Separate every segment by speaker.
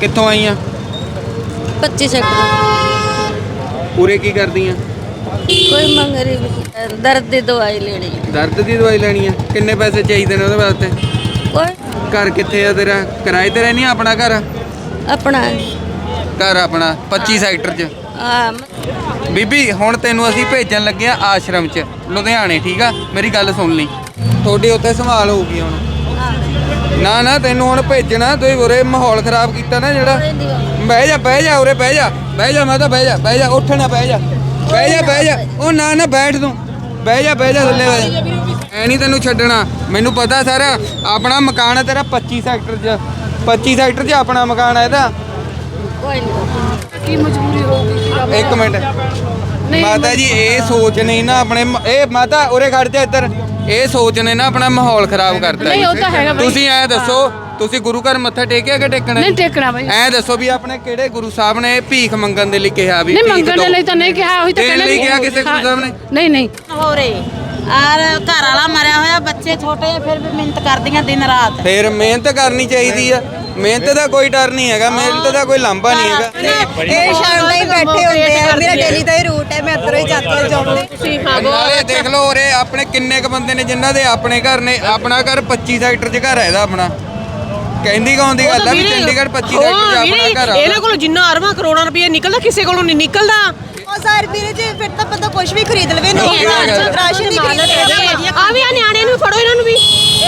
Speaker 1: ਕਿੱਥੋਂ ਆਈਆਂ?
Speaker 2: 25 ਸੈਕਟਰ।
Speaker 1: ਪੂਰੇ ਕੀ ਕਰਦੀਆਂ?
Speaker 2: ਕੋਈ ਮੰਗ ਰਹੀ ਦਰਦ ਦੀ ਦਵਾਈ ਲੈਣੀ।
Speaker 1: ਦਰਦ ਦੀ ਦਵਾਈ ਲੈਣੀ ਆ? ਕਿੰਨੇ ਪੈਸੇ ਚਾਹੀਦੇ ਨੇ ਉਹਦੇ ਵਾਸਤੇ?
Speaker 2: ਕੋਈ
Speaker 1: ਘਰ ਕਿੱਥੇ ਆ ਤੇਰਾ? ਕਿਰਾਏ ਤੇ ਰਹਿਨੀ ਆ? ਆਪਣਾ ਘਰ?
Speaker 2: ਆਪਣਾ
Speaker 1: ਘਰ ਆਪਣਾ 25 ਸੈਕਟਰ 'ਚ।
Speaker 2: ਹਾਂ।
Speaker 1: ਬੀਬੀ ਹੁਣ ਤੈਨੂੰ ਅਸੀਂ ਭੇਜਣ ਲੱਗੇ ਆ ਆਸ਼ਰਮ 'ਚ ਲੁਧਿਆਣੇ, ਠੀਕ ਆ? ਮੇਰੀ ਗੱਲ ਸੁਣ ਲਈ, ਤੁਹਾਡੀ ਉੱਥੇ ਸੰਭਾਲ ਹੋਊਗੀ ਹੁਣ। ਨਾ ਨਾ ਤੈਨੂੰ ਹੁਣ ਭੇਜਣਾ, ਤੁਸੀਂ ਉਰੇ ਮਾਹੌਲ ਖਰਾਬ ਕੀਤਾ ਨਾ ਜਿਹੜਾ। ਬਹਿ ਜਾ ਬਹਿ ਜਾ, ਉਰੇ ਬਹਿ ਜਾ, ਬਹਿ ਜਾ ਮਾਤਾ, ਬਹਿ ਜਾ ਬਹਿ ਜਾ, ਉੱਠ ਨਾ, ਬਹਿ ਜਾ ਬਹਿ ਜਾ ਬਹਿ ਜਾ। ਉਹ ਨਾ ਨਾ ਬੈਠ ਤੂੰ, ਬਹਿ ਜਾ ਬਹਿ ਜਾ, ਥੱਲੇ ਬਹਿ ਜਾ। ਐ ਨਹੀਂ ਤੈਨੂੰ ਛੱਡਣਾ, ਮੈਨੂੰ ਪਤਾ ਸਾਰਾ। ਆਪਣਾ ਮਕਾਨ ਹੈ ਤੇਰਾ 25 ਸੈਕਟਰ 'ਚ। 25 ਸੈਕਟਰ 'ਚ ਆਪਣਾ ਮਕਾਨ ਹੈ ਇਹਦਾ।
Speaker 2: ਕੋਈ ਨਹੀਂ।
Speaker 3: ਕੀ ਮਜਬੂਰੀ ਹੋਊਗੀ?
Speaker 1: ਇੱਕ ਮਿੰਟ ਮਾਤਾ ਜੀ, ਇਹ ਸੋਚ ਨਹੀਂ ਨਾ ਆਪਣੇ ਇਹ ਮਾਤਾ ਉਰੇ ਖੜ ਜਾ ਇੱਧਰ। ਇਹ ਸੋਚ ਨੇ ਨਾ ਆਪਣਾ ਮਾਹੌਲ ਖਰਾਬ ਕਰਤਾ।
Speaker 3: ਨਹੀਂ ਉਹ ਤਾਂ ਹੈਗਾ ਬਾਈ।
Speaker 1: ਤੁਸੀਂ ਐ ਦੱਸੋ, ਤੁਸੀਂ ਗੁਰੂ ਘਰ ਮੱਥਾ ਟੇਕਿਆ ਕਿ ਟੇਕਣਾ?
Speaker 3: ਨਹੀਂ ਟੇਕਣਾ ਬਾਈ।
Speaker 1: ਐ ਦੱਸੋ ਵੀ ਆਪਣੇ ਕਿਹੜੇ ਗੁਰੂ ਸਾਹਿਬ ਨੇ ਭੀਖ ਮੰਗਣ ਦੇ ਲਈ ਕਿਹਾ? ਵੀ
Speaker 3: ਨਹੀਂ ਮੰਗਣ ਦੇ ਲਈ ਤਾਂ ਨਹੀਂ ਕਿਹਾ, ਉਹੀ ਤਾਂ
Speaker 1: ਦੇਣ ਲਈ ਕਿਹਾ ਕਿਸੇ ਗੁਰੂ ਸਾਹਿਬ ਨੇ?
Speaker 3: ਨਹੀਂ ਨਹੀਂ।
Speaker 4: ਹੋ ਰੇ ਆਰ ਘਰ ਵਾਲਾ ਮਰਿਆ ਹੋਇਆ, ਬੱਚੇ ਛੋਟੇ, ਫਿਰ ਵੀ ਮਿਹਨਤ ਕਰਦੀਆਂ ਦਿਨ ਰਾਤ।
Speaker 1: ਫਿਰ ਮਿਹਨਤ ਕਰਨੀ ਚਾਹੀਦੀ ਆ। ਮਿਹਨਤ ਦਾ ਕੋਈ ਡਰ ਨਹੀਂ ਹੈਗਾ, ਮਿਹਨਤ ਦਾ ਕੋਈ ਲਾਂਭਾ ਨਹੀਂ ਹੈਗਾ।
Speaker 5: ਇਹ ਸ਼ਾਮ ਤਾਈਂ ਬੈਠੇ ਹੁੰਦੇ ਆ, ਮੇਰਾ ਡੇਲੀ ਦਾ ਹੀ ਰੂਟ ਹੈ, ਮੈਂ ਇੱਧਰੋਂ ਹੀ ਜਾਂਦੀ ਹਾਂ ਜੌਬ ਤੇ।
Speaker 1: ਨਾਲੇ ਦੇਖ ਲਓ ਉਰੇ ਆਪਣੇ ਕਿੰਨੇ ਕ ਬੰਦੇ ਨੇ ਜਿਨ੍ਹਾਂ ਦੇ ਆਪਣੇ ਘਰ ਨੇ। ਆਪਣਾ ਘਰ 25 ਸੈਕਟਰ 'ਚ ਘਰ ਹੈ ਇਹਦਾ ਆਪਣਾ। ਕਹਿੰਦੀ ਕੌਣ ਦੀ ਗੱਲ ਆ ਵੀ ਚੰਡੀਗੜ੍ਹ 25 ਸੈਕਟਰ 'ਚ ਆਪਣਾ ਘਰ ਆ।
Speaker 6: ਇਹਨਾਂ ਕੋਲੋਂ ਜਿੰਨਾ ਅਰਬਾਂ ਕਰੋੜਾਂ ਰੁਪਏ ਨਿਕਲਦਾ, ਕਿਸੇ ਕੋਲੋਂ ਨਹੀਂ ਨਿਕਲਦਾ।
Speaker 5: ਉਹ ਸਾਰ ਵੀਰੇ ਜੀ, ਫਿਰ ਤਾਂ ਬੰਦਾ ਕੁਝ ਵੀ ਖਰੀਦ ਲਵੇ, ਨਹੀਂ ਰਾਸ਼ਨ ਵੀ ਖਰੀਦ ਲਵੇ।
Speaker 6: ਆ ਵੀ ਆ ਨਿਆਣਿਆਂ ਨੂੰ ਫੜੋ, ਇਹਨਾਂ ਨੂੰ ਵੀ।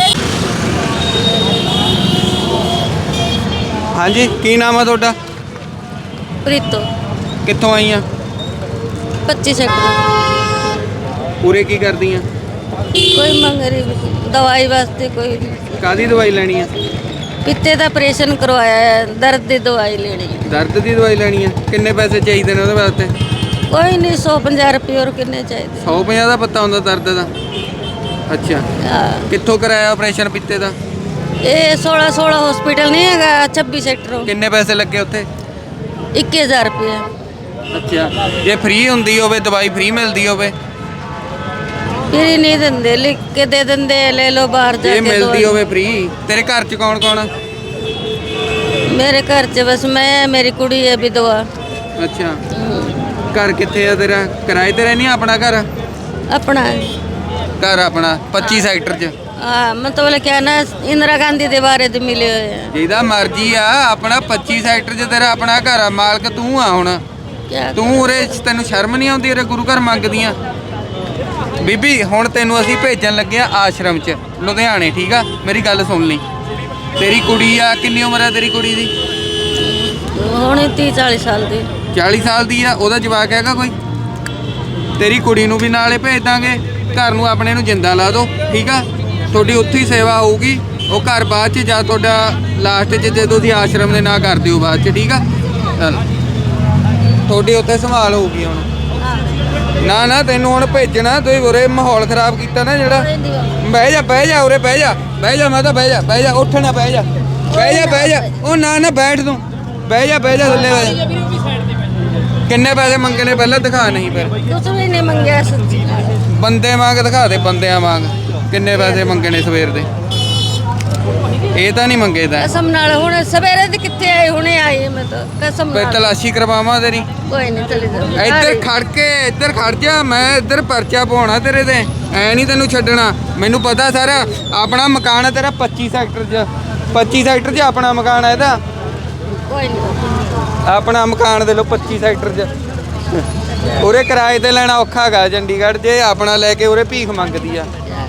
Speaker 1: ਹਾਂਜੀ, ਕੀ ਨਾਮ ਆ ਤੁਹਾਡਾ?
Speaker 2: ਪ੍ਰੀਤੋ।
Speaker 1: ਕਿੱਥੋਂ ਆਈਆਂ?
Speaker 2: 25 ਸੈਕਟਰ।
Speaker 1: ਪੂਰੇ ਕੀ ਕਰਦੀਆਂ?
Speaker 2: ਕੋਈ ਮੰਗ ਰਹੀ ਦਵਾਈ ਵਾਸਤੇ। ਕੋਈ
Speaker 1: ਕਾਹਦੀ ਦਵਾਈ ਲੈਣੀ ਆ?
Speaker 2: ਪਿੱਤੇ ਦਾ ਆਪਰੇਸ਼ਨ ਕਰਵਾਇਆ ਹੈ, ਦਰਦ ਦੀ ਦਵਾਈ ਲੈਣੀ।
Speaker 1: ਦਰਦ ਦੀ ਦਵਾਈ ਲੈਣੀ ਆ? ਕਿੰਨੇ ਪੈਸੇ ਚਾਹੀਦੇ ਨੇ ਉਹਦੇ ਵਾਸਤੇ?
Speaker 2: ਕੋਈ ਨਹੀਂ, 150 ਰੁਪਏ ਹੋਰ ਕਿੰਨੇ ਚਾਹੀਦੇ?
Speaker 1: 150 ਦਾ ਪੱਤਾ ਹੁੰਦਾ ਦਰਦ ਦਾ? ਅੱਛਾ,
Speaker 2: ਹਾਂ।
Speaker 1: ਕਿੱਥੋਂ ਕਰਾਇਆ ਆਪਰੇਸ਼ਨ ਪਿੱਤੇ ਦਾ?
Speaker 2: ਇਹ 16 ਹਸਪੀਟਲ ਨਹੀਂ ਹੈਗਾ 26 ਸੈਕਟਰ।
Speaker 1: ਕਿੰਨੇ ਪੈਸੇ ਲੱਗੇ ਉੱਥੇ?
Speaker 2: 21,000 ਰੁਪਏ।
Speaker 1: ਅੱਛਾ, ਜੇ ਫ੍ਰੀ ਹੁੰਦੀ ਹੋਵੇ, ਦਵਾਈ ਫ੍ਰੀ ਮਿਲਦੀ ਹੋਵੇ?
Speaker 2: ਫਿਰ ਹੀ ਨਹੀਂ ਦਿੰਦੇ, ਲਿਖ ਕੇ ਦੇ ਦਿੰਦੇ, ਲੈ ਲਓ ਬਾਹਰ ਜਾ
Speaker 1: ਜੇ
Speaker 2: ਕੇ
Speaker 1: ਮਿਲਦੀ
Speaker 2: ਦਵਾਈ।
Speaker 1: ਹੋਵੇ ਫ੍ਰੀ। ਤੇਰੇ ਘਰ 'ਚ ਕੌਣ ਕੌਣ ਆ?
Speaker 2: ਮੇਰੇ ਘਰ 'ਚ ਬਸ ਮੈਂ, ਮੇਰੀ ਕੁੜੀ ਹੈ ਵਿਧਵਾ।
Speaker 1: ਅੱਛਾ, ਘਰ ਕਿੱਥੇ ਆ ਤੇਰਾ? ਕਿਰਾਏ ਤੇ ਰਹਿਨੀ ਆ? ਆਪਣਾ ਘਰ?
Speaker 2: ਆਪਣਾ
Speaker 1: ਘਰ ਆਪਣਾ 25 ਸੈਕਟਰ 'ਚ।
Speaker 2: ਹਾਂ, ਮਤਲਬ ਕਿਆ ਨਾ, ਇੰਦਰਾ ਗਾਂਧੀ ਦੇ ਬਾਰੇ ਤੇ ਮਿਲੇ ਹੋਏ ਆ।
Speaker 1: ਜਿਹਦਾ ਮਰਜ਼ੀ ਆ, ਆਪਣਾ 25 ਸੈਕਟਰ 'ਚ ਤੇਰਾ ਆਪਣਾ ਘਰ ਆ। ਮਾਲਕ ਤੂੰ ਆ ਹੁਣ।
Speaker 2: ਕਿਆ
Speaker 1: ਤੂੰ ਉਰੇ ਤੈਨੂੰ ਸ਼ਰਮ ਨਹੀਂ ਆਉਂਦੀ? ਉਰੇ ਗੁਰੂ ਘਰ ਮੰਗਦੀਆਂ। ਬੀਬੀ ਹੁਣ ਤੈਨੂੰ ਅਸੀਂ ਭੇਜਣ ਲੱਗੇ ਆ ਆਸ਼ਰਮ 'ਚ ਲੁਧਿਆਣੇ, ਠੀਕ ਆ? ਮੇਰੀ ਗੱਲ ਸੁਣ ਲਈ, ਤੇਰੀ ਕੁੜੀ ਆ, ਕਿੰਨੀ ਉਮਰ ਆ ਤੇਰੀ ਕੁੜੀ ਦੀ?
Speaker 2: ਹੁਣ 30-40 ਸਾਲ ਦੀ।
Speaker 1: 40 ਸਾਲ ਦੀ ਆ? ਉਹਦਾ ਜਵਾਕ ਹੈਗਾ ਕੋਈ? ਤੇਰੀ ਕੁੜੀ ਨੂੰ ਵੀ ਨਾਲੇ ਭੇਜ ਦਾਂਗੇ। ਘਰ ਨੂੰ ਆਪਣੇ ਨੂੰ ਜਿੰਦਾ ਲਾ ਦਿਓ, ਠੀਕ ਆ? ਤੁਹਾਡੀ ਉੱਥੇ ਹੀ ਸੇਵਾ ਹੋਊਗੀ। ਉਹ ਘਰ ਬਾਅਦ 'ਚ ਜਾਂ ਤੁਹਾਡਾ ਲਾਸਟ 'ਚ ਜੇ ਤੁਸੀਂ ਆਸ਼ਰਮ ਦੇ ਨਾਂ ਕਰ ਦਿਓ ਬਾਅਦ 'ਚ, ਠੀਕ ਆ? ਤੁਹਾਡੀ ਉੱਥੇ ਸੰਭਾਲ ਹੋਊਗੀ ਹੁਣ। ਨਾ ਨਾ ਤੈਨੂੰ ਹੁਣ ਭੇਜਣਾ, ਤੁਸੀਂ ਉਰੇ ਮਾਹੌਲ ਖਰਾਬ ਕੀਤਾ ਨਾ ਜਿਹੜਾ। ਬਹਿ ਜਾ ਬਹਿ ਜਾ, ਉਰੇ ਬਹਿ ਜਾ, ਬਹਿ ਜਾ ਮਾਤਾ, ਬਹਿ ਜਾ ਬਹਿ ਜਾ, ਉੱਠ ਨਾ, ਬਹਿ ਜਾ ਬਹਿ ਜਾ ਬਹਿ ਜਾ। ਉਹ ਨਾ ਨਾ ਬੈਠ ਤੂੰ, ਬਹਿ ਜਾ ਬਹਿ ਜਾ, ਥੱਲੇ ਬਹਿ ਜਾ। ਕਿੰਨੇ ਪੈਸੇ ਮੰਗੇ ਨੇ ਪਹਿਲਾਂ ਦਿਖਾ? ਨਹੀਂ ਫਿਰ
Speaker 2: ਕੁਛ ਵੀ ਨਹੀਂ ਮੰਗਿਆ ਸੱਚੀ।
Speaker 1: ਬੰਦੇ ਵਾਂਗ ਦਿਖਾ ਦੇ, ਬੰਦਿਆਂ ਵਾਂਗ। ਕਿੰਨੇ ਪੈਸੇ ਮੰਗੇ ਨੇ ਸਵੇਰ ਦੇ? ਇਹ ਤਾਂ ਨਹੀਂ ਮੰਗੇ ਤਾਂ।
Speaker 2: ਕਸਮ ਨਾਲ ਹੁਣ ਸਵੇਰੇ ਦੇ ਕਿੱਥੇ ਆਏ? ਹੁਣੇ ਆਈ ਮੈਂ ਤਾਂ ਕਸਮ
Speaker 1: ਫਿਰ
Speaker 2: ਨਾਲ।
Speaker 1: ਤਲਾਸ਼ੀ ਕਰਵਾਵਾਂ ਤੇਰੀ?
Speaker 2: ਕੋਈ ਨਹੀਂ, ਚਲੇ ਜਾ।
Speaker 1: ਇੱਧਰ ਖੜ ਕੇ, ਇੱਧਰ ਖੜ ਜਾ, ਮੈਂ ਇੱਧਰ ਪਰਚਾ ਪਾਉਣਾ ਤੇਰੇ ਤੇ। ਐ ਨਹੀਂ ਤੈਨੂੰ ਛੱਡਣਾ, ਮੈਨੂੰ ਪਤਾ ਸਾਰਾ। ਆਪਣਾ ਮਕਾਨ ਹੈ ਤੇਰਾ 25 ਸੈਕਟਰ 'ਚ। 25 ਸੈਕਟਰ 'ਚ ਆਪਣਾ ਮਕਾਨ ਹੈ ਇਹਦਾ।
Speaker 2: ਕੋਈ ਨਹੀਂ।
Speaker 1: ਆਪਣਾ ਮਕਾਨ ਦੇ ਲੋ 25 ਸੈਕਟਰ 'ਚ। ਉਰੇ ਕਿਰਾਏ ਤੇ ਲੈਣਾ ਔਖਾ ਹੈਗਾ ਚੰਡੀਗੜ੍ਹ। ਜੇ ਆਪਣਾ ਲੈ ਕੇ ਉਰੇ ਭੀਖ ਮੰਗਦੀ ਆ।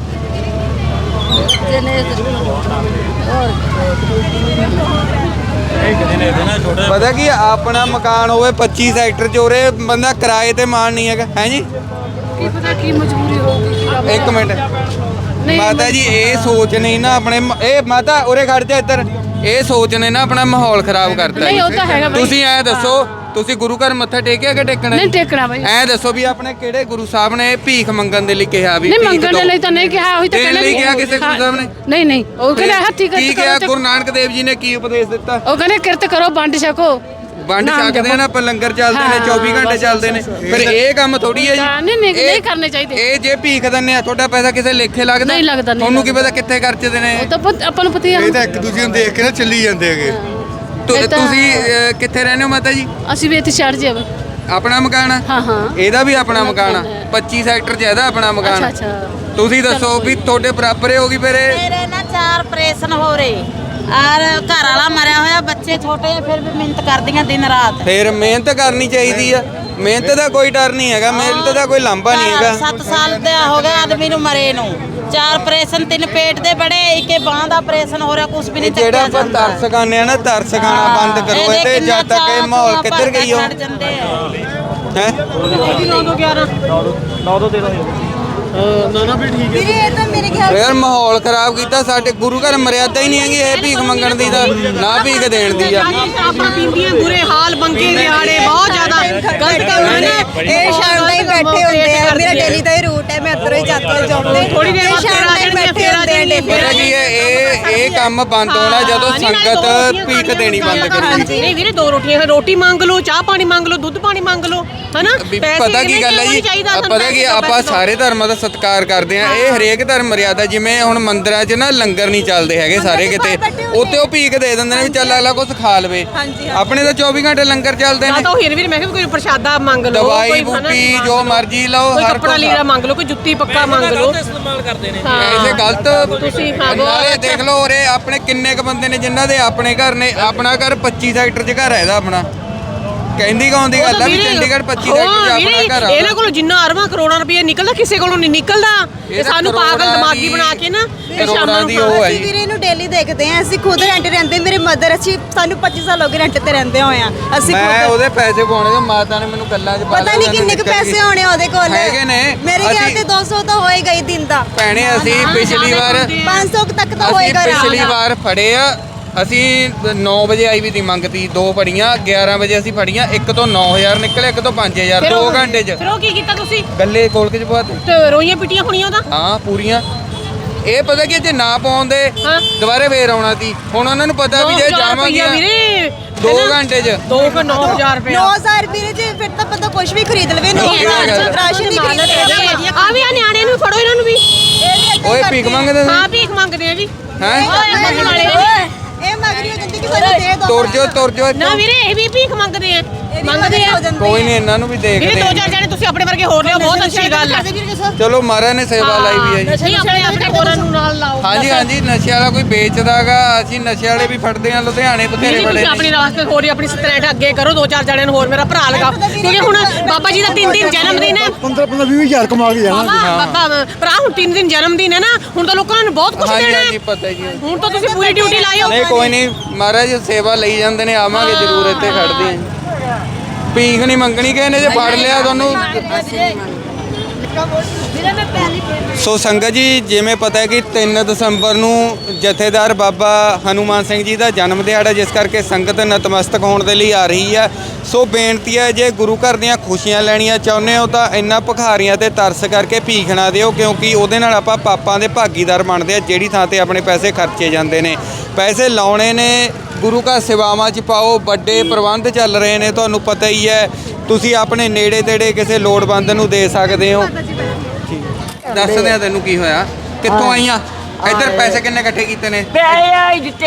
Speaker 1: ਪਤਾ ਕੀ ਆਪਣਾ ਮਕਾਨ ਹੋਵੇ 25 ਸੈਕਟਰ 'ਚ, ਉਰੇ ਬੰਦਾ ਕਿਰਾਏ ਤੇ ਮਾਣ ਨਹੀਂ ਹੈਗਾ। ਹੈ ਜੀ,
Speaker 3: ਕੀ ਪਤਾ ਕੀ ਮਜਬੂਰੀ ਹੋਊਗੀ?
Speaker 1: ਇੱਕ ਮਿੰਟ ਮਾਤਾ ਜੀ, ਇਹ ਸੋਚ ਨਹੀਂ ਨਾ ਆਪਣੇ ਇਹ ਮਾਤਾ ਉਰੇ ਖੜ ਜਾ ਇੱਧਰ। ਇਹ ਸੋਚ ਨੇ ਨਾ ਆਪਣਾ ਮਾਹੌਲ ਖਰਾਬ ਕਰਤਾ।
Speaker 3: ਨਹੀਂ ਉਹ ਤਾਂ ਹੈਗਾ ਬਾਈ।
Speaker 1: ਤੁਸੀਂ ਐ ਦੱਸੋ, ਤੁਸੀਂ ਗੁਰੂ ਘਰ ਮੱਥਾ ਟੇਕਿਆ ਕਿ ਟੇਕਣਾ?
Speaker 3: ਨਹੀਂ ਟੇਕਣਾ ਬਾਈ।
Speaker 1: ਐ ਦੱਸੋ ਵੀ ਆਪਣੇ ਕਿਹੜੇ ਗੁਰੂ ਸਾਹਿਬ ਨੇ ਭੀਖ ਮੰਗਣ ਦੇ ਲਈ ਕਿਹਾ? ਵੀ
Speaker 3: ਨਹੀਂ
Speaker 1: ਭੀਖ
Speaker 3: ਮੰਗਣ ਦੇ
Speaker 1: ਦਿਓ।
Speaker 3: ਲਈ ਤਾਂ ਨਹੀਂ ਕਿਹਾ, ਉਹੀ ਤਾਂ
Speaker 1: ਦੇਣ ਲਈ ਕਿਹਾ ਕਿਸੇ ਗੁਰੂ ਸਾਹਿਬ ਨੇ?
Speaker 3: ਨਹੀਂ ਨਹੀਂ, ਉਹ ਕਹਿੰਦੇ ਹੱਥੀ
Speaker 1: ਕੀ
Speaker 3: ਕਿਰਤ
Speaker 1: ਕਿਹਾ?
Speaker 3: ਕਰੋ।
Speaker 1: ਗੁਰੂ ਨਾਨਕ ਦੇਵ ਜੀ ਨੇ ਕੀ ਉਪਦੇਸ਼ ਦਿੱਤਾ?
Speaker 3: ਉਹ ਕਹਿੰਦੇ ਕਿਰਤ ਕਰੋ, ਵੰਡ ਛਕੋ।
Speaker 1: ਵੰਡ ਛਕਦੇ ਨਾ, ਆਪਾਂ ਲੰਗਰ ਚੱਲਦੇ ਨੇ 24 ਘੰਟੇ ਚੱਲਦੇ ਨੇ। ਫਿਰ ਇਹ ਕੰਮ ਥੋੜੀ ਹੈ ਜੀ।
Speaker 3: ਨਹੀਂ ਕਰਨੇ ਚਾਹੀਦੇ।
Speaker 1: ਇਹ ਜੇ ਭੀਖ ਦਿੰਦੇ ਆ, ਤੁਹਾਡਾ ਪੈਸਾ ਕਿਸੇ ਲੇਖੇ ਲੱਗਦਾ?
Speaker 3: ਨਹੀਂ ਲੱਗਦਾ।
Speaker 1: ਤੁਹਾਨੂੰ ਕੀ ਪਤਾ ਕਿੱਥੇ ਖਰਚਦੇ ਨੇ?
Speaker 3: ਉਹ ਤਾਂ ਆਪਾਂ ਨੂੰ ਪਤਾ ਹੀ ਆ।
Speaker 7: ਇਹ ਤਾਂ ਇੱਕ ਦੂਜੇ ਨੂੰ ਦੇਖ ਕੇ ਨਾ ਚੱਲੀ ਜਾਂਦੇ ਹੈਗੇ।
Speaker 1: ਤੁਸੀਂ ਕਿੱਥੇ ਰਹਿੰਦੇ ਹੋ ਮਾਤਾ ਜੀ?
Speaker 3: ਅਸੀਂ ਵੀ ਇੱਥੇ ਛੱਡ ਜਾਵੇ।
Speaker 1: ਆਪਣਾ ਮਕਾਨ ਆ?
Speaker 3: ਹਾਂ ਹਾਂ।
Speaker 1: ਇਹਦਾ ਵੀ ਆਪਣਾ ਮਕਾਨ ਆ? 25 ਸੈਕਟਰ 'ਚ ਇਹਦਾ ਆਪਣਾ ਮਕਾਨ।
Speaker 3: ਅੱਛਾ ਅੱਛਾ।
Speaker 1: ਤੁਸੀਂ ਦੱਸੋ ਵੀ ਤੁਹਾਡੇ ਬਰਾਬਰ ਹੀ ਹੋਗੀ ਫਿਰ ਇਹ?
Speaker 4: ਮੇਰੇ ਨਾ 4 ਆਪਰੇਸ਼ਨ ਹੋ ਰਹੇ ਔਰ ਘਰ ਵਾਲਾ ਮਰਿਆ ਹੋਇਆ, ਬੱਚੇ ਛੋਟੇ ਆ, ਫਿਰ ਵੀ ਮਿਹਨਤ ਕਰਦੀਆਂ ਦਿਨ ਰਾਤ।
Speaker 1: ਫਿਰ ਮਿਹਨਤ ਕਰਨੀ ਚਾਹੀਦੀ ਆ। ਮਿਹਨਤ ਦਾ ਕੋਈ ਡਰ ਨਹੀਂ ਹੈਗਾ, ਮਿਹਨਤ ਦਾ ਕੋਈ ਲਾਂਭਾ ਨਹੀਂ ਹੈਗਾ।
Speaker 4: 7 ਸਾਲ ਦਾ ਹੋ ਗਿਆ ਆਦਮੀ ਨੂੰ ਮਰੇ ਨੂੰ। 4 ਆਪਰੇਸ਼ਨ, 3 ਪੇਟ ਦੇ ਬੜੇ, ਇੱਕ ਬਾਂਹ ਦਾ ਆਪਰੇਸ਼ਨ ਹੋ ਰਿਹਾ, ਕੁਝ ਵੀ ਨਹੀਂ
Speaker 1: ਜਿਹੜਾ
Speaker 4: ਚੱਕਿਆ
Speaker 1: ਆਪਾਂ
Speaker 4: ਜਾਂਦਾ।
Speaker 1: ਤਰਸ ਖਾਂਦੇ ਆ ਨਾ, ਤਰਸ ਖਾਣਾ ਬੰਦ ਕਰੋ
Speaker 4: ਇਹਦੇ
Speaker 1: ਇਹਦੇ,
Speaker 4: ਕਿੰਨਾ
Speaker 1: ਜਦ ਤੱਕ ਇਹ
Speaker 4: ਚਾਅ
Speaker 1: ਮਾਹੌਲ
Speaker 4: ਆਪਾਂ
Speaker 1: ਕਿੱਧਰ ਗਈ ਹੋ
Speaker 4: ਛੱਡ ਜਾਂਦੇ ਆ।
Speaker 1: ਹੈ।
Speaker 5: ਵੀਰੇ ਇਹ ਤਾਂ ਮੇਰੇ ਖਿਆਲ
Speaker 1: ਯਾਰ ਮਾਹੌਲ ਖਰਾਬ ਕੀਤਾ, ਸਾਡੇ ਗੁਰੂ ਘਰ ਮਰਿਆਦਾ ਹੀ ਨਹੀਂ ਹੈਗੀ ਇਹ ਭੀਖ ਮੰਗਣ ਦੀ ਤਾਂ, ਨਾ ਭੀਖ ਦੇਣ ਦੀ ਆ।
Speaker 6: ਆਪਣਾ ਪੀਂਦੀਆਂ ਬੁਰੇ ਹਾਲ, ਬੰਗੇ ਦਿਹਾੜੇ ਬਹੁਤ ਜ਼ਿਆਦਾ ਗਲਤ ਕੰਮ ਹੈ ਨਾ।
Speaker 5: ਇਹ ਸ਼ਾਮ ਤਾਈਂ ਬੈਠੇ ਹੁੰਦੇ ਆ, ਮੇਰਾ ਡੇਲੀ ਦਾ ਹੀ ਰੂਟ ਹੈ, ਮੈਂ ਇੱਧਰੋਂ ਹੀ ਜਾਂਦੀ ਹਾਂ ਜੌਬ ਤੇ।
Speaker 6: ਥੋੜੀ ਦੇਰ ਬਾਅਦ
Speaker 5: ਸ਼ਾਮ ਤਾਈਂ ਬੈਠੇ ਹੁੰਦੇ ਆ daily।
Speaker 1: ਪਤਾ ਕੀ ਹੈ, ਇਹ ਕੰਮ ਬੰਦ ਹੋਣਾ ਜਦੋਂ ਸੰਗਤ ਭੀਖ ਦੇਣੀ ਬੰਦ ਕਰੂਗੀ।
Speaker 6: ਨਹੀਂ ਵੀਰੇ, 2 ਰੋਟੀਆਂ, ਰੋਟੀ ਮੰਗ ਲਓ, ਚਾਹ ਪਾਣੀ ਮੰਗ ਲਓ, ਦੁੱਧ ਪਾਣੀ ਮੰਗ ਲਓ, ਹਨਾ।
Speaker 1: ਪਤਾ ਕੀ ਗੱਲ ਹੈ ਜੀ, ਪਤਾ ਕੀ ਆਪਾਂ ਸਾਰੇ ਧਰਮਾਂ ਦਾ ਸਤਿਕਾਰ ਕਰਦੇ ਆ। ਇਹ ਹਰੇਕ ਧਰਮ ਮਰਿਆਦਾ, ਜਿਵੇਂ ਹੁਣ ਮੰਦਿਰਾਂ 'ਚ ਨਾ ਲੰਗਰ ਨਹੀਂ ਚੱਲਦੇ ਹੈਗੇ ਸਾਰੇ ਕਿਤੇ, ਉੱਥੇ ਉਹ ਭੀਖ ਦੇ ਦਿੰਦੇ ਨੇ ਵੀ ਚੱਲ ਅਗਲਾ ਕੁਛ ਖਾ ਲਵੇ। ਆਪਣੇ ਤਾਂ 24 ਘੰਟੇ ਲੰਗਰ ਚੱਲਦੇ ਨੇ।
Speaker 6: ਤਾਂ ਉਹ ਵੀਰੇ ਮੈਂ ਕਿਹਾ ਕੋਈ ਪ੍ਰਸ਼ਾਦਾ ਮੰਗ ਲਓ,
Speaker 1: ਦਵਾਈ
Speaker 6: ਕੋਈ
Speaker 1: ਬੂਟੀ ਜੋ ਮਰਜ਼ੀ ਲਓ,
Speaker 6: ਕੋਈ
Speaker 1: ਹਰ
Speaker 6: ਕੱਪੜਾ ਲੀੜਾ ਮੰਗ ਲਓ, ਕੋਈ ਜੁੱਤੀ ਪੱਕਾ ਮੰਗ ਲਓ।
Speaker 1: ਐਸੇ ਗਲਤ
Speaker 6: ਤੁਸੀਂ ਹਾਂ
Speaker 1: ਨਾਲੇ ਦੇਖ ਲਓ ਉਰੇ ਆਪਣੇ ਕਿੰਨੇ ਕ ਬੰਦੇ ਨੇ ਜਿਨ੍ਹਾਂ ਦੇ ਆਪਣੇ ਘਰ ਨੇ। ਆਪਣਾ ਘਰ 25 ਸੈਕਟਰ 'ਚ ਘਰ ਹੈ ਇਹਦਾ ਆਪਣਾ। ਕਹਿੰਦੀ ਕੌਣ ਦੀ ਗੱਲ ਆ ਵੀ ਚੰਡੀਗੜ੍ਹ 25 ਸੈਕਟਰ 'ਚ ਆਪਣਾ ਘਰ ਆ।
Speaker 6: ਇਹਨਾਂ ਕੋਲ ਜਿੰਨਾ ਅਰਬਾਂ ਕਰੋੜਾਂ ਰੁਪਏ ਨਿਕਲਦਾ, ਕਿਸੇ ਕੋਲੋਂ ਨਹੀਂ ਨਿਕਲਦਾ। ਇਹ ਸਾਨੂੰ ਪਾਗਲ ਦਿਮਾਗੀ ਬਣਾ ਕੇ ਨਾ
Speaker 1: ਕਰੋੜਾਂ ਦੀ ਉਹ ਹੈ
Speaker 5: ਅਸੀਂ
Speaker 1: ਜੀ।
Speaker 5: ਵੀਰੇ ਇਹਨੂੰ ਡੇਲੀ ਦੇਖਦੇ ਆ, ਅਸੀਂ ਖੁਦ ਰੈਂਟ ਰਹਿੰਦੇ, ਮੇਰੇ ਮਦਰ, ਅਸੀਂ ਸਾਨੂੰ 25 ਸਾਲ ਹੋ ਗਏ ਰੈਂਟ ਤੇ ਰਹਿੰਦੇ ਹੋਏ ਆ। ਅਸੀਂ
Speaker 1: ਮੈਂ
Speaker 5: ਖੁਦ
Speaker 1: ਉਹਦੇ ਪੈਸੇ ਪਾਉਣੇ ਤੇ ਮਾਤਾ ਨੇ ਮੈਨੂੰ ਗੱਲਾਂ 'ਚ ਪਾ
Speaker 5: ਪਤਾ ਨਹੀਂ ਕਿੰਨੇ ਕੁ ਪੈਸੇ ਹੋਣੇ ਉਹਦੇ ਕੋਲ।
Speaker 1: ਹੈਗੇ ਨੇ।
Speaker 5: ਮੇਰੇ ਖਿਆਲ ਤੇ 200 ਤਾਂ ਹੋਏਗਾ ਹੀ ਦਿਨ ਦਾ।
Speaker 1: ਭੈਣੇ ਅਸੀਂ ਪਿਛਲੀ ਵਾਰ
Speaker 5: 500 ਤੱਕ ਤਾਂ
Speaker 1: ਅਸੀਂ
Speaker 5: ਹੋਏਗਾ
Speaker 1: ਪਿਛਲੀ ਵਾਰ ਫੜੇ ਆ। ਅਸੀਂ 9 ਵਜੇ ਆਈ ਵੀ ਦੀ ਮੰਗਤੀ, 2 ਫੜੀਆਂ, 11 ਵਜੇ ਅਸੀਂ ਫੜੀਆਂ। ਇੱਕ ਤੋਂ 9000 ਨਿਕਲੇ, ਇੱਕ ਤੋਂ 5000, 2 ਘੰਟੇ 'ਚ।
Speaker 6: ਫਿਰ ਉਹ ਕੀ ਕੀਤਾ ਤੁਸੀਂ?
Speaker 1: ਗੱਲੇ ਕੋਲ ਕੇ ਜਵਾਤ
Speaker 6: ਤੇ ਰੋਈਆਂ ਪਿੱਟੀਆਂ ਹੋਣੀਆਂ ਉਹਦਾ।
Speaker 1: ਹਾਂ ਪੂਰੀਆਂ। ਇਹ ਪਤਾ ਕੀ ਜੇ ਨਾ ਪਾਉਂਦੇ
Speaker 6: ਹਾਂ।
Speaker 1: ਦੁਬਾਰੇ ਫੇਰ ਆਉਣਾ ਸੀ। ਹੁਣ ਉਹਨਾਂ ਨੂੰ ਪਤਾ ਵੀ ਜੇ ਜਾਵਾਂਗੇ
Speaker 6: ਵੀਰੇ
Speaker 1: 2 ਘੰਟੇ 'ਚ
Speaker 6: 9,000 ਰੁਪਏ
Speaker 5: 9000 ਵੀਰੇ ਜੀ, ਫਿਰ ਤਾਂ ਬੰਦਾ ਕੁਝ ਵੀ ਖਰੀਦ ਲਵੇ। 9000 ਰਾਸ਼ਨ ਹੀ ਖਰੀਦ ਲਵੇ।
Speaker 6: ਆ ਵੀ ਆ ਨਿਆਣਿਆਂ ਨੂੰ ਫੜੋ, ਇਹਨਾਂ ਨੂੰ ਵੀ।
Speaker 1: ਓਏ ਭੀਖ ਮੰਗਦੇ ਨੇ।
Speaker 6: ਹਾਂ ਭੀਖ ਮੰਗਦੇ ਆ ਜੀ।
Speaker 1: ਹੈਂ?
Speaker 6: ਓਏ ਮੰਗਣ ਵਾਲੇ
Speaker 5: ਇਹ ਮੰਗਰੀ ਹੋ ਜਾਂਦੀ ਕਿ ਸਾਨੂੰ ਦੇ ਦੋ।
Speaker 1: ਤੁਰ ਜਾਓ
Speaker 6: ਨਾ ਵੀਰੇ, ਇਹ ਵੀ ਭੀਖ ਮੰਗਦੇ ਆ, ਮੰਗਦੇ ਆ।
Speaker 1: ਕੋਈ ਨਹੀਂ, ਇਹਨਾਂ ਨੂੰ ਵੀ
Speaker 6: ਵੀਰੇ
Speaker 1: ਦੇਖਦੇ
Speaker 6: 2-4 ਜਣੇ ਤੁਸੀਂ ਆਪਣੇ ਵਰਗੇ ਹੋਰ ਲਿਓ, ਬਹੁਤ ਅੱਛੀ ਗੱਲ ਹੈ।
Speaker 1: ਚਲੋ ਮਹਾਰਾਜ ਨੇ ਸੇਵਾ ਲਾਈ ਵੀ ਹੈ ਜੀ।
Speaker 6: ਨਹੀਂ ਆਪਣੇ ਹੋਰਾਂ ਨੂੰ ਨਾਲ ਲਾਓ।
Speaker 1: ਹਾਂਜੀ ਹਾਂਜੀ, ਨਸ਼ੇ ਵਾਲਾ ਕੋਈ ਵੇਚਦਾਗਾ, ਅਸੀਂ ਨਸ਼ੇ ਵਾਲੇ ਵੀ ਫੜਦੇ ਆ। ਲੁਧਿਆਣੇ ਬਥੇਰੇ
Speaker 6: ਤੁਸੀਂ
Speaker 1: ਫੜੇ
Speaker 6: ਆਪਣੀ ਰਾਸਤੇ ਹੋਰ ਹੀ ਆਪਣੀ ਸਟ੍ਰੈਟ ਅੱਗੇ ਕਰੋ, 2-4 ਜਣਿਆਂ ਨੂੰ ਹੋਰ ਮੇਰਾ ਭਰਾ ਲਗਾਓ, ਕਿਉਂਕਿ ਹੁਣ ਬਾਬਾ ਜੀ ਦਾ 3 ਦਿਨ ਜਨਮ ਦਿਨ ਹੈ।
Speaker 7: 15-20 ਕਮਾ ਕੇ ਜਾਣਾ।
Speaker 6: ਬਾਬਾ ਭਰਾ ਹੁਣ 3 ਦਿਨ ਜਨਮ ਦਿਨ ਹੈ ਨਾ, ਹੁਣ ਤਾਂ ਲੋਕਾਂ ਨੂੰ ਬਹੁਤ ਕੁਝ
Speaker 1: ਹਾਂਜੀ
Speaker 6: ਦੇਣਾ
Speaker 1: ਹਾਂਜੀ
Speaker 6: ਹੈ।
Speaker 1: ਪਤਾ ਜੀ।
Speaker 6: ਹੁਣ ਤਾਂ ਤੁਸੀਂ ਪੂਰੀ ਡਿਊਟੀ ਲਾਇਓ।
Speaker 1: ਨਹੀਂ ਕੋਈ ਨਹੀਂ, ਮਹਾਰਾਜ ਸੇਵਾ ਲਈ ਜਾਂਦੇ ਨੇ, ਆਵਾਂਗੇ ਜ਼ਰੂਰ ਇੱਥੇ ਖੜਦੇ ਆਂ। ਭੀਖ ਨਹੀਂ ਮੰਗਣੀ ਕਿਸੇ ਨੇ, ਜੇ ਫੜ ਲਿਆ ਤੁਹਾਨੂੰ। ਸੋ ਸੰਗਤ ਜੀ, ਜਿਵੇਂ ਪਤਾ ਹੈ ਕਿ 3 ਦਸੰਬਰ ਨੂੰ ਜਥੇਦਾਰ ਬਾਬਾ ਹਨੂਮਾਨ ਸਿੰਘ ਜੀ ਦਾ ਜਨਮ ਦਿਹਾੜਾ, ਜਿਸ ਕਰਕੇ ਸੰਗਤ ਨਤਮਸਤਕ ਹੋਣ ਦੇ ਲਈ ਆ ਰਹੀ ਹੈ। ਸੋ ਬੇਨਤੀ ਹੈ, ਜੇ ਗੁਰੂ ਘਰ ਦੀਆਂ ਖੁਸ਼ੀਆਂ ਲੈਣੀਆਂ ਚਾਹੁੰਦੇ ਹੋ ਤਾਂ ਇਹਨਾਂ ਭਿਖਾਰੀਆਂ ਤੇ ਤਰਸ ਕਰਕੇ ਭੀਖ ਨਾ ਦਿਓ, ਕਿਉਂਕਿ ਉਹਦੇ ਨਾਲ ਆਪਾਂ ਪਾਪਾਂ ਦੇ ਭਾਗੀਦਾਰ ਬਣਦੇ ਆ। ਜਿਹੜੀ ਥਾਂ ਤੇ ਆਪਣੇ ਪੈਸੇ ਖਰਚੇ ਜਾਂਦੇ ਨੇ, ਪੈਸੇ ਲਾਉਣੇ ਨੇ ਗੁਰੂ ਘਰ ਸੇਵਾਵਾਂ 'ਚ ਪਾਓ। ਵੱਡੇ ਪ੍ਰਬੰਧ ਚੱਲ ਰਹੇ ਨੇ, ਤੁਹਾਨੂੰ ਪਤਾ ਹੀ ਹੈ। ਤੁਸੀਂ ਆਪਣੇ ਨੇੜੇ ਤੇੜੇ ਕਿਸੇ ਲੋੜਵੰਦ ਨੂੰ ਦੇ ਸਕਦੇ ਹੋ। ਦੱਸਦੇ ਆ ਤੈਨੂੰ ਕੀ ਹੋਇਆ, ਕਿੱਥੋਂ ਆਈਆਂ, ਇੱਧਰ ਪੈਸੇ ਕਿੰਨੇ ਇਕੱਠੇ ਕੀਤੇ ਨੇ?